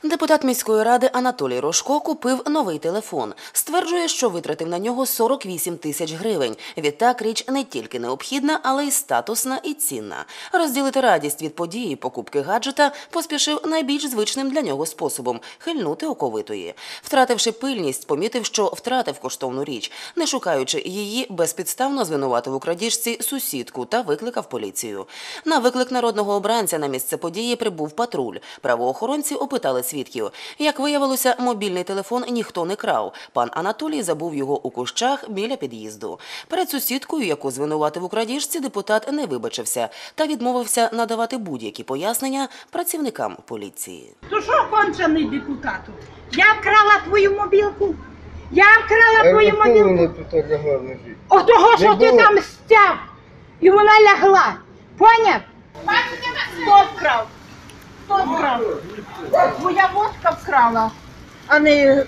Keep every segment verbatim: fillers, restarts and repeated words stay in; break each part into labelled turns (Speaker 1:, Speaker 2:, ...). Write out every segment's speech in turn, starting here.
Speaker 1: Депутат міської ради Анатолій Рожко купив новий телефон. Стверджує, що витратив на нього сорок вісім тисяч гривень. Відтак річ не тільки необхідна, але й статусна і цінна. Розділити радість від події покупки гаджета поспішив найбільш звичним для нього способом – хильнути оковитої. Втративши пильність, помітив, що втратив коштовну річ. Не шукаючи її, безпідставно звинуватив у крадіжці сусідку та викликав поліцію. На виклик народного обранця на місце події прибув патруль. Правоохоронці опитали свідків. Як виявилося, мобільний телефон ніхто не крав. Пан Анатолій забув його у кущах біля під'їзду. Перед сусідкою, яку звинуватив у крадіжці, депутат не вибачився та відмовився надавати будь-які пояснення працівникам поліції.
Speaker 2: То що, кончений депутату? Я вкрала твою мобілку. Я вкрала твою мобілку. О того, що ти там стяв. І вона лягла. Поняв? Хто вкрав? Хто вкрав? Твоя водка вкрала, а не...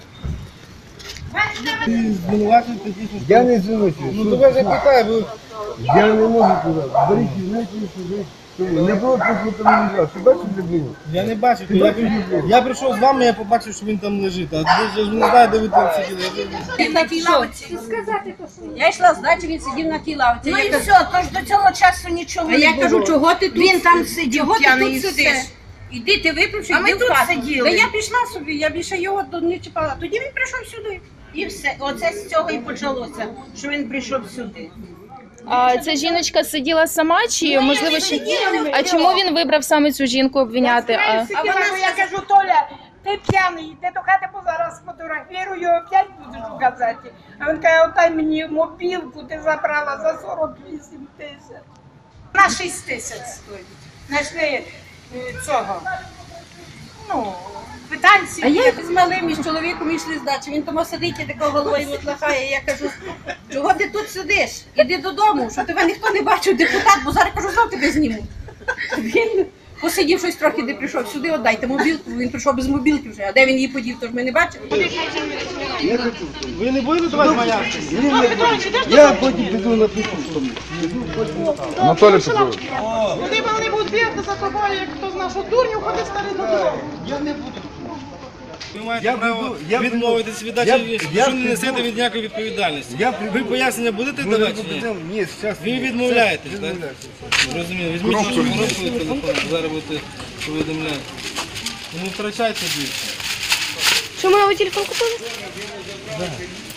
Speaker 3: Я не звинувачую. Ну то вас запитаю, бо я не можу туди. Беріть, знаєте, сюди. Не було прокоментувати. Ти бачив людину?
Speaker 4: Я не бачив. Я, прийшов, я прийшов з вами, я побачив, що він там лежить. А я ж не знаю, де ви там сиділи.
Speaker 2: Він на тій лавці. Я йшла, значить він сидів на тій лавці. Ну і все, тож до цього часу нічого не було. А я кажу, чого ти тут? Він там сидів, чого ти тут сидиш? Іди, ти випивши, йди в хату. Та я пішла собі, я більше його не чіпала. Тоді він прийшов сюди. І все. Оце з цього і почалося, що він прийшов сюди.
Speaker 5: А ця жіночка сиділа сама чи, можливо, ще... А чому він вибрав саме цю жінку обвиняти? А,
Speaker 2: а вона, я кажу, Толя, ти п'яний, йди до хати, бо зараз фотографірую, опять будеш у газеті. А він каже, отай мені мобілку ти забрала за сорок вісім тисяч. На шість тисяч стоїть. Знайшли цього, ну, квитанції. А я з малим і з чоловіком йшли з дачі. Він тому сидить і такого головою лахає. Я кажу, чого ти тут сидиш? Іди додому, що тебе ніхто не бачив, депутат, бо зараз, кажу, знов тебе зніму. Він посидів щось трохи, де прийшов сюди, отдайте мобілку. Він прийшов без мобілки вже, а де він її подів, тож ми не бачимо.
Speaker 4: Ви не будете давати маяшки?
Speaker 3: Я потім піду на піку.
Speaker 6: Анатолій Петрович.
Speaker 7: Куди вони будуть бігти за тобою, як хто знає, що дурню ходить старий додому.
Speaker 4: Я не буду. Ви маєте право відмовитись від дачі, якщо не несете від ніякої відповідальності. Ви пояснення будете давати чи ні?
Speaker 3: Ні, зараз.
Speaker 4: Ви відмовляєтесь, так? Розумію. Візьміть вашу коробку і телефон, зараз будете повідомляти. Не втрачайте більше.
Speaker 5: чому його телефон купили?
Speaker 4: Так.